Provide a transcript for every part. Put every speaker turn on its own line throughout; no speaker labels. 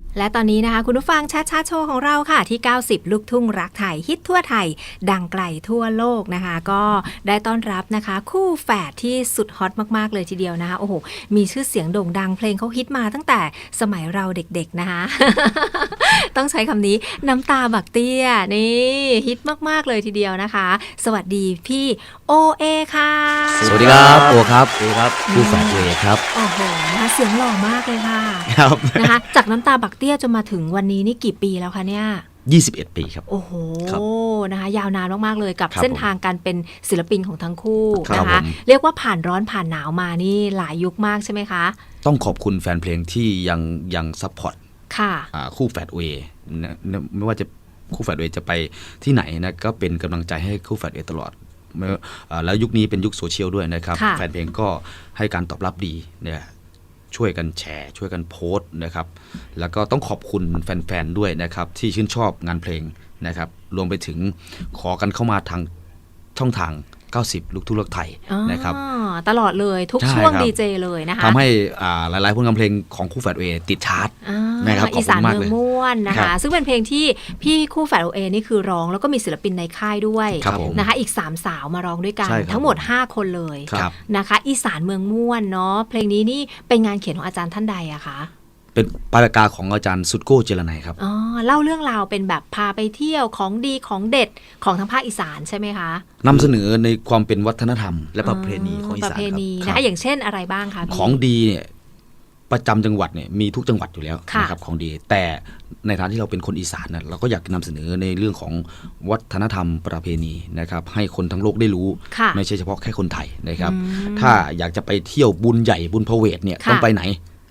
และตอนนี้นะคะคุณผู้ฟังชัดชาโชว์ของเราค่ะที่90ลูกทุ่งรักไทยฮิตทั่วไทยดังไกลทั่วโลกนะคะก็ได้ต้อนรับนะคะคู่แฝดที่สุดฮอตมากๆเลยทีเดียวนะคะโอ้โหมีชื่อเสียงโด่งดังเพลงเขาฮิตมาตั้งแต่สมัยเราเด็กๆนะคะ ต้องใช้คำนี้น้ำตาบักเตี้ยนี่ฮิตมากๆเลยทีเดียวนะคะสวัสดีพี่โอเอค่ะ
สวัสดีครับโอครับโอครับคู่แฝดเอครับ
โอ้โหนะคะเสียงหล่อมากเลยค่ะ
ครับ
นะคะจากน้ำตาบักเตี้ยจนมาถึงวันนี้นี่กี่ปีแล้วคะเนี่ย
21 ปีครับ
โอ้โหนะคะยาวนานมากๆเลยกับ
เ
ส้นทางการเป็นศิลปินของทั้งคู่
นะ
คะเรียกว่าผ่านร้อนผ่านหนาวมานี่หลายยุคมากใช่ไหมคะ
ต้องขอบคุณแฟนเพลงที่ยังซัพพอร์ต
ค่ะ
คู่แฝดเอไม่ว่าจะคู่แฝดเอจะไปที่ไหนนะก็เป็นกำลังใจให้คู่แฝดเอตลอดแล้วยุคนี้เป็นยุคโซเชียลด้วยนะครับแฟนเพลงก็ให้การตอบรับดีเนี่ยช่วยกันแชร์ช่วยกันโพสต์นะครับแล้วก็ต้องขอบคุณแฟนๆด้วยนะครับที่ชื่นชอบงานเพลงนะครับรวมไปถึงขอกันเข้ามาทางช่องทาง90ลูกทุ่งรักไทยนะครับ
ตลอดเลยทุกช่วงดีเจเลยนะคะ
ทำให้หลายๆผลงานเพลงของคู่แฝดเอติดชาร์ตนะครับ
อีสานเมืองม่วนนะคะซึ่งเป็นเพลงที่พี่คู่แฝดเอนี่คือร้องแล้วก็มีศิลปินในค่ายด้วยนะคะอีก3สาวมาร้องด้วยกันทั้งหมด5คนเลยนะคะอีสานเมืองม่วนเนาะเพลงนี้นี่เป็นงานเขียนของอาจารย์ท่านใดอะคะ
เป็นปารากาของอาจารย์สุดโก้เจรนัยครับ
เล่าเรื่องราวเป็นแบบพาไปเที่ยวของดีของเด็ดของทางภาคอีสานใช่ไหมคะ
นำเสนอในความเป็นวัฒนธรรมและประเพณีของอีสานครับ
นะคะอย่างเช่นอะไรบ้างคะ
ของดีเนี่ยประจำจังหวัดเนี่ยมีทุกจังหวัดอยู่แล้วนะครับของดีแต่ในฐานะที่เราเป็นคนอีสานนะเราก็อยากนำเสนอในเรื่องของวัฒนธรรมประเพณีนะครับให้คนทั้งโลกได้รู้ไม่ใช่เฉพาะแค่คนไทยนะครับถ้าอยากจะไปเที่ยวบุญใหญ่บุญพระเวทเนี่ยต้องไปไหน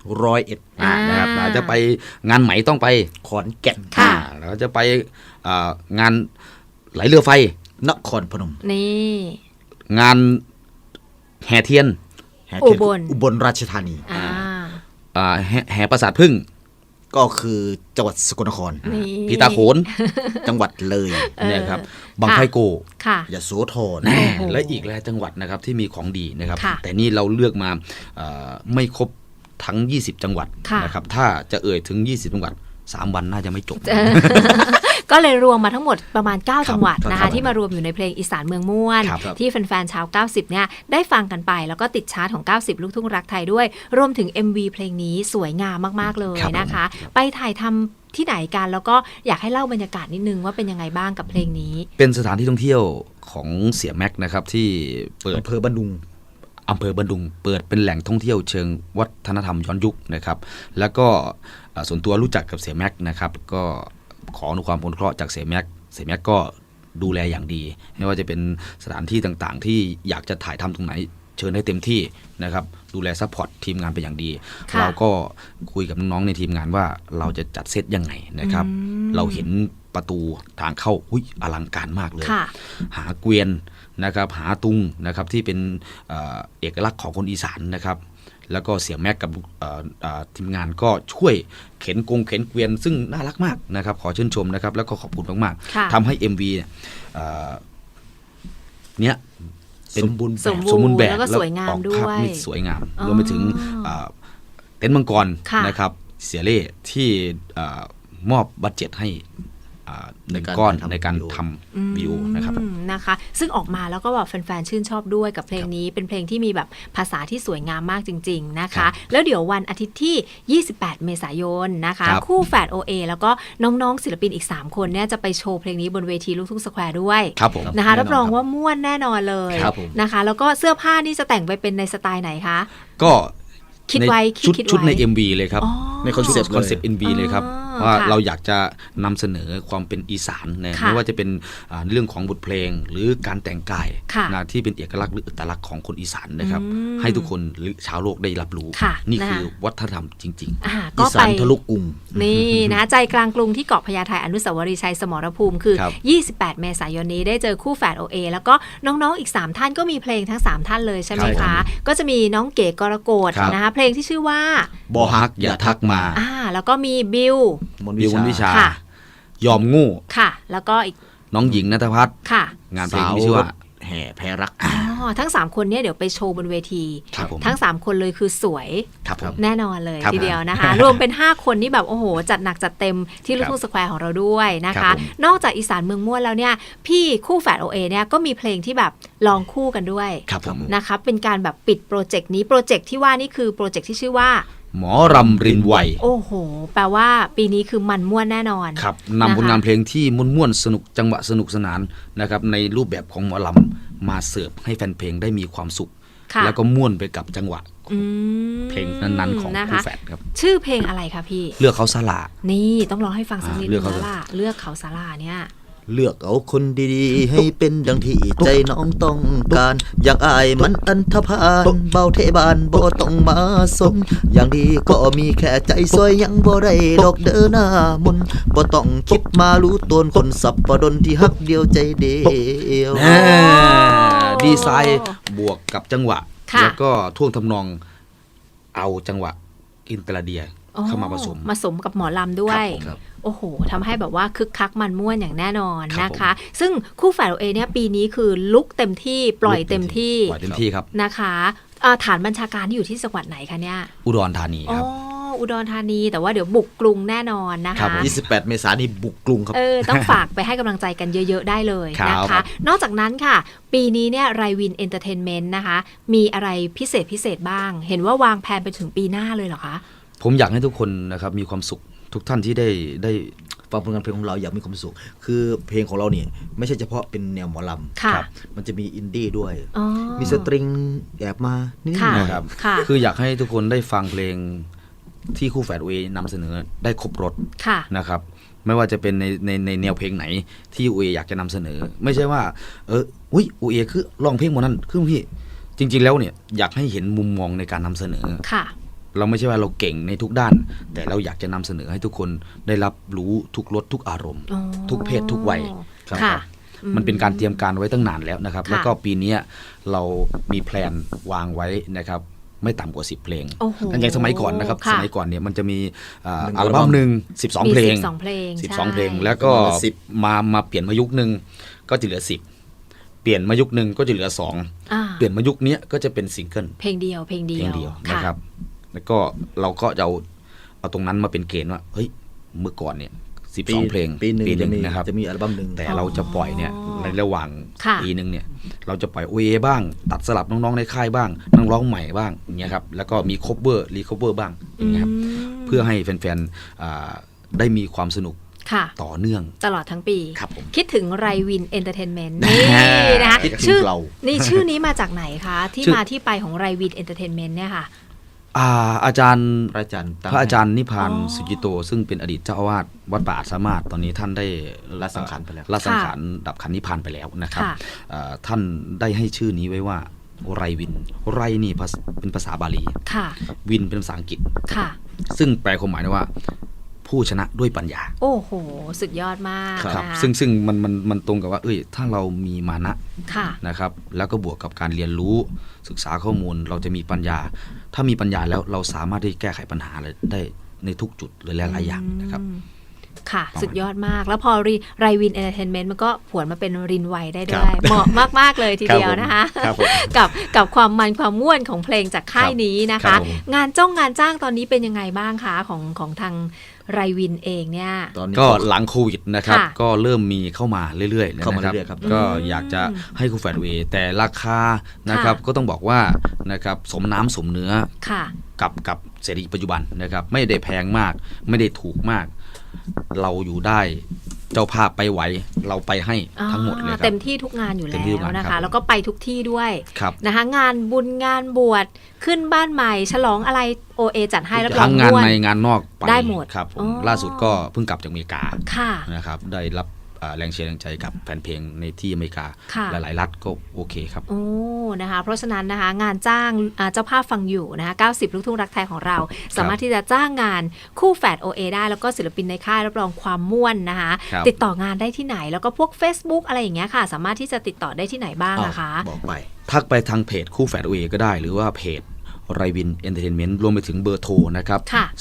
101นะครับเราจะไปงานไหมต้องไปขอนแก่นเราจะไปงานไหลเรือไฟนครพนม
นี่
งานแห่เทียน
อุบลราชธานี
แห่ปราสาทพึ่ง
ก็คือจังหวัดสกลนคร
พีตาโขน
จังหวัดเลย
นะครับบังไฟโก
ยโสธร
และอีกหลายจังหวัดนะครับที่มีของดีนะครับแต่นี่เราเลือกมาไม่ครบทั้ง20จังหวัดนะครับถ้าจะเอ่ยถึง20จังหวัด3วันน่าจะไม่จบ
ก็เลยรวมมาทั้งหมดประมาณ9จังหวัดนะคะที่มารวมอยู่ในเพลงอีสานเมืองม่วนที่แฟนๆชาว90เนี่ยได้ฟังกันไปแล้วก็ติดชาร์ตของ90ลูกทุ่งรักไทยด้วยรวมถึง MV เพลงนี้สวยงามมากๆเลยนะคะไปถ่ายทำที่ไหนกันแล้วก็อยากให้เล่าบรรยากาศนิดนึงว่าเป็นยังไงบ้างกับเพลงนี้
เป็นสถานที่ท่องเที่ยวของเสี่ยแม็กนะครับที่เปิด
อำเภอบันดุง
เปิดเป็นแหล่งท่องเที่ยวเชิงวัฒนธรรมย้อนยุคนะครับแล้วก็ส่วนตัวรู้จักกับเสี่ยแม็กนะครับก็ขออนุความอนุเคราะห์จากเสี่ยแม็กก็ดูแลอย่างดีไม่ว่าจะเป็นสถานที่ต่างๆที่อยากจะถ่ายทำตรงไหนเชิญให้เต็มที่นะครับดูแลซัพพอร์ตทีมงานเป็นอย่างดีเราก็คุยกับน้องๆในทีมงานว่าเราจะจัดเซตยังไงนะครับเราเห็นประตูทางเข้าอลังการมากเลยหาเกวียนนะครับหาตุงนะครับที่เป็นเอกลักษณ์ของคนอีสานนะครับแล้วก็เสี่ยแม็กกับทีมงานก็ช่วยเข็นเกวียนซึ่งน่ารักมากนะครับขอชื่นชมนะครับแล้วก็ขอบคุณมากๆทำให้ MV เนี่ยเป็น
สมบูรณ์แบบแล้วก็สวยงามด้วย
สวยงามรวมไปถึงเต็นท์มังกรนะครับเสียเล่ที่มอบบัดเจ็ตให้ในการทำวิดีโอ
นะคะซึ่งออกมาแล้วก็แบบแฟนๆชื่นชอบด้วยกับเพลงนี้เป็นเพลงที่มีแบบภาษาที่สวยงามมากจริงๆนะคะแล้วเดี๋ยววันอาทิตย์ที่28เมษายนนะคะคู่แฝด OA แล้วก็น้องๆศิลปินอีก3คนเนี่ยจะไปโชว์เพลงนี้บนเวทีลูกทุ่งสแควร์ด้วยนะคะรับรองว่าม่วนแน่นอนเลยนะคะแล้วก็เสื้อผ้านี่จะแต่งไปเป็นในสไตล์ไหนคะ
ก็
คิดไว้
ชุดใน MV เลยครับในคอนเซ็ปต์ MV เลยครับว่าเราอยากจะนำเสนอความเป็นอีสานนะไม่ว่าจะเป็นเรื่องของบทเพลงหรือการแต่งกายนะที่เป็นเอกลักษณ์หรืออัตลักษณ์ของคนอีสานนะครับให้ทุกคนหรือชาวโลกได้รับรู้นี่คือวัฒนธรรมจริง
ๆอีสานทะลุกรุง
นี่นะใจกลางกรุงที่เกาะพญาไทอนุสาวรีย์ชัยสมรภูมิคือ28เมษายนนี้ได้เจอคู่แฝด OA แล้วก็น้องๆอีก3ท่านก็มีเพลงทั้ง3ท่านเลยใช่ไหมคะก็จะมีน้องเก๋กรกฎนะคะเพลงที่ชื่อว่า
บ่ฮักอย่าทักมา
แล้วก็มีบิว
มนวิชายอมงู
ค่ะแล้วก็อีก
น้องหญิงณัฐพัฒน์
ค่ะ
งานเพลงที่ชื่อว่า
แห่แพรรัก
ทั้ง3คนเนี่ยเดี๋ยวไปโชว์บนเวที
ครับผม
ทั้ง3คนเลยคือสวย
ครับผม
แน่นอนเลย
ครับ
ทีเดียวนะคะ รวมเป็น5คนนี่แบบโอ้โหจัดหนักจัดเต็มที่ลูกทุ่งสแควร์ของเราด้วยนะ
ครั
คะ
บผม
นอกจากอีสานเมืองม่วนแล้วเนี่ยพี่คู่แฝด OA เนี่ยก็มีเพลงที่แบบลองคู่กันด้วย
ครับผม
นะคะเป็นการแบบปิดโปรเจกต์นี้โปรเจกต์ที่ว่านี่คือโปรเจกต์ที่ชื่อว่า
หมอรำรินไว
โอ้โหแปลว่าปีนี้คือมันม่วนแน่นอน
ครับ
นะคะ
นำผลงานเพลงที่ม่วนๆสนุกจังหวะสนุกสนานนะครับในรูปแบบของหมอลำมาเสิร์ฟให้แฟนเพลงได้มีความสุข
ค่ะ
แล้วก็ม่วนไปกับจังหวะ
อืม
เพลงนั้นๆของ
นะ
คู่
คะ
แฝดครับ
ชื่อเพลงอะไรคะพี่
เลือกเขาสละ
นี่ต้องร้องให้ฟังสักนิด
เลื
นึ
อก
ง
เขา
แล้วล่ะเลือกเขาสาราเนี่ย
เลือกเอาคนดีๆ ให้เป็นดังที่ใจน้องต้องการ อยากอายมันอันธพาลเบาเทบานบ่ต้องมาสนอย่างดีก็มีแค่ใจซอยยังบ่ได้ดอกเดินหน้ามนบ่ต้องคิดมารู้ตนคนสับปะดนที่ฮักเดียวใจเดียว
ดีไซน์บวกกับจังหวะ
ค่ะ
แล้วก็ท่วงทำนองเอาจังหวะอินเตอร์เดียเข้ามาผสม
ผสมกับหมอลำด้วย
ครับผม
โอ้โหทำให้แบบว่าคึกคักมันม่วนอย่างแน่นอน
ครับ
นะคะ ซึ่งคู่แฝดเอเนี่ยปีนี้คือลุกเต็มที่ปล่อยเต็มที่
ปล่อยเต็มที่ครับ
นะคะฐานบัญชาการที่อยู่ที่จังหวัดไหนคะเนี่ย
อุดรธานี
อ๋อ
ครับ
อุดรธานีแต่ว่าเดี๋ยวบุกกรุงแน่นอนนะ
ครั
คะ
บผม
28 เมษายนนี้บุกกรุงครับ
ต้องฝากไปให้กำลังใจกันเยอะๆได้เลยนะ
ครั
คะ
บ
นอกจากนั้นค่ะ ปีนี้เนี่ยไรวินเอนเตอร์เทนเมนต์นะคะ มีอะไรพิเศษบ้าง เห็นว่าวางแผนไปถึงปีหน้าเลยเหรอคะ
ผมอยากให้ทุกคนนะครับมีความสุขทุกท่านที่ได้
ฟังผลงานเพลงของเราอยากมีความสุข คือเพลงของเราเนี่ยไม่ใช่เฉพาะเป็นแนวหมอลำ
ค่ะ
ครับมันจะมีอินดี้ด้วย
อ๋อ
มีสตริงแอบมานิด
ค่ะ
ๆหน่อย
นะครับ
ค่ะ
คืออยากให้ทุกคนได้ฟังเพลงที่คู่แฝดเอนำเสนอได้ครบรถ
ค่ะ
นะครับไม่ว่าจะเป็นในแนวเพลงไหนที่เออยากจะนำเสนอ ไม่ใช่ว่าอุ้ยเอคือร้องเพลงหมดนั้นคือพี่จริง ๆแล้วเนี่ยอยากให้เห็นมุมมองในการนำเสนอ
ค่ะ
เราไม่ใช่ว่าเราเก่งในทุกด้าน แต่เราอยากจะนำเสนอให้ทุกคนได้รับรู้ทุกรสทุกอารมณ์
อ๋อ
ทุกเพศทุกวัย
ค่ะ
มันเป็นการเตรียมการไว้ตั้งนานแล้วนะครับ
ค่ะ
แล้วก็ปีนี้เรามีแพลนวางไว้นะครับไม่ต่ำกว่า10เพลง
โอ้โห
อย่างสมัยก่อนนะครับ
ค่ะ
สมัยก่อนเนี่ยมันจะมี
หนึ่ง
อัลบั้มหนึ่ง12 เพลง
มี12เพลง
12 เพลง
ใช่
แล้วก็
ประมาณ10
มาเปลี่ยนมายุคหนึ่งก็จะเหลือ10เปลี่ยนมายุคหนึ่งก็จะเหลือ2
อ่า
เปลี่ยนมายุคนี้ก็จะเป็นซิงเกิล
เพลงเดียวเพลงเดี
เพ
ยว
ลงเดียว
ค่ะ
นะครับ แล้วก็เราก็จะเอาตรงนั้นมาเป็นเกณฑ์ว่าเฮ้ยเมื่อก่อนเนี่ย12 เพลง
ปีหนึ่งจะมี
นะครับ
จะมีอัลบั้มหนึ่ง
แต่เราจะปล่อยเนี่ยในระหว่าง
ค่ะ
ปีหนึ่งเนี่ยเราจะปล่อย OA บ้าง ตัดสลับน้องๆในค่ายบ้างนักร้องใหม่บ้างอย่างเงี้ยครับแล้วก็มี cover recover บ้างอย่างเงี้ยครับเพื่อให้แฟนๆได้มีความสนุก
ค่ะ
ต่อเนื่อง
ตลอดทั้งปี
ครับผม
คิดถึงไรวินเอนเตอร์เทนเมนต์นี่นะคะ
คิดถึง
ชื่อ
เรา
นี่ชื่อนี้มาจากไหนคะ ที่
ชื่อ
มาที่ไปของไรวินเอนเตอร์เทนเมนต์เนี่ยค่ะ
อาจารย์
พระอาจารย์ตั้ง
พระอาจารย์นิพพาน
อ๋อ
สุจิโต ซึ่งเป็นอดีตเจ้าอาวาสวัดป่าอาจสามารถตอนนี้ท่านได้
ละสังขารไปแล้ว
ละสังขารดับขันนิพพานไปแล้วนะครับ
ค่ะ
ท่านได้ให้ชื่อนี้ไว้ว่าไรวินไรนี่เป็นภาษาบาลี
ค่ะ
วินเป็นภาษาอังกฤษ
ค่ะ
ซึ่งแปลความหมายได้ว่า ผู้ชนะด้วยปัญญา
โอ้โห สุดยอดมาก
ครับ
นะคะ
ซึ่งมันตรงกับว่าถ้าเรามีมานะ
ค่ะ
นะครับแล้วก็บวกกับการเรียนรู้ศึกษาข้อมูลเราจะมีปัญญา ถ้ามีปัญญาแล้วเราสามารถที่แก้ไขปัญหาได้ในทุกจุดเลยหลายๆอย่างนะครับ
ค่ะ
ประมาณ
สุดยอดมาก แล้วพอไรวินเอนเตอร์เทนเมนต์มันก็ผวนมาเป็นรินไวได้ด้
ครั
วย
บ
เหมาะมาก ๆ เลยทีเดียวนะคะ
ครับผม
กับความมันความม่วนของเพลงจากค่ายนี้นะ
ครั
คะ
บผม
งานจ้างตอนนี้เป็นยังไงบ้างคะของทางไรวินเองเนี่ย
ตอนนี้
ก็หลังโควิดนะครับ
ค่ะ
ก็เริ่มมีเข้ามาเรื่อยๆนะ
เข้ามา
ครับ
เรื่อยๆครับ
ก็อยากจะให้คู่แฝดเวแต่ราคานะครับก็ต้องบอกว่านะครับสมน้ำสมเนื้อ
ค่ะ
กับเศรษฐกิจปัจจุบันนะครับไม่ได้แพงมากไม่ได้ถูกมาก เราอยู่ได้เจ้าภาพไปไหวเราไปให้ทั้งหมดเลยครั
เต็
บ
มที่ทุกงานอยู่
เต็
แล้
มที่ทุก
ว
งาน
นะ
ครั
คะ
บ
แล้วก็ไปทุกที่ด้วย
ครับ
นะคะ งานบุญงานบวชขึ้นบ้านใหม่ ฉลองอะไรโอเอจัดให้รับรอ
ทั้
ง
งงาน
ม่วน
ในงานนอกไป
ได้หมด
ครับผม
อ๋อ
ล่าสุดก็เพิ่งกลับจากอเมริกา
ค่ะ
นะครับได้รับแรงเชียร์แรงใจกับแฟนเพลงในที่อเมริกา
ค่ะ
หลายๆรัฐก็โอเคครับ
โอ้ นะคะ เพราะฉะนั้นนะคะงานจ้างเจ้าภาพฟังอยู่นะคะ90 ลูกทุ่งรักไทยของเรา สามารถที่จะจ้างงานคู่แฝด OA ได้แล้วก็ศิลปินในค่ายรับรองความม่วนนะคะ
ครับ
ติดต่องานได้ที่ไหนแล้วก็พวก Facebook อะไรอย่างเงี้ยค่ะ สามารถที่จะติดต่อได้ที่ไหนบ้างนะคะ
บอกไป
ทักไปทางเพจคู่แฝดเอก็ได้หรือว่าเพจไรวินเอนเตอร์เทนเมนต์รวมไปถึงเบอร์โทรนะครับ
ค่ะ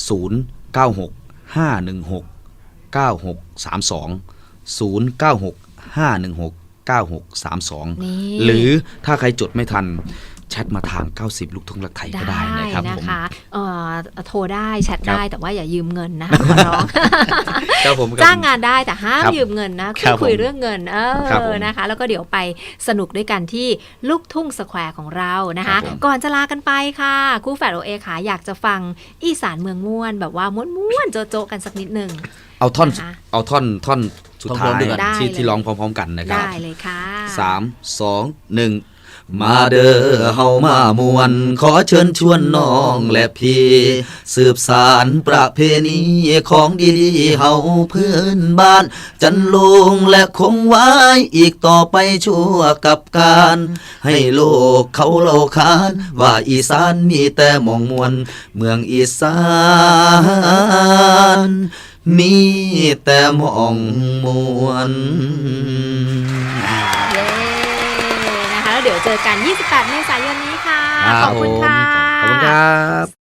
096 516 9632 096 516 9632
นี่
หรือถ้าใครจดไม่ทันแชทมาทาง 90 ลูกทุ่งรักไทยก็ได้นะครับ
นะ
ผม
คะโทรได้แชท
ครับ
ได้แต่ว่าอย่ายืมเงินนะคะขอร้อง
ครับผม
จ้างงานได้แต่ห้าม
ครับ
ยืมเงินนะ
ครับ
คุย
ผม
เรื่องเงิน
ครับผม
นะคะ แล้วก็เดี๋ยวไปสนุกด้วยกันที่ลูกทุ่งสแควร์ของเรานะ
ครั
คะ
บผม
ก่อนจะลากันไปค่ะคู่แฝดโอเอค่ะอยากจะฟังอีสานเมืองม่วนแบบว่าม้วนๆโจ๊ะๆกันสักนิดหนึ่ง
เอาท่อน
นะคะ
เอาท่อนสุดท้าย
ท่อนเดียวกัน
ได้
ที่
เลย
ที่ร้องพร้อมๆกันนะครับ
ได้เลยค่ะ
3 2 1 มาเด้อเฮามามวน ขอเชิญชวนน้องและพี่สืบสารประเพณีของดีๆเฮาพื้นบ้าน จันลงและคงไว้อีกต่อไปชั่วกับการ ให้โลกเขาเล่าขาน ว่าอีสานมีแต่หมองมวน เมืองอีสานมีแต่หมองมวน
เย้นะคะแล้วเดี๋ยวเจอกัน 28 เมษายนนี้ค่ะ
ครับ
ขอบคุณค่ะ
ขอบคุณครับ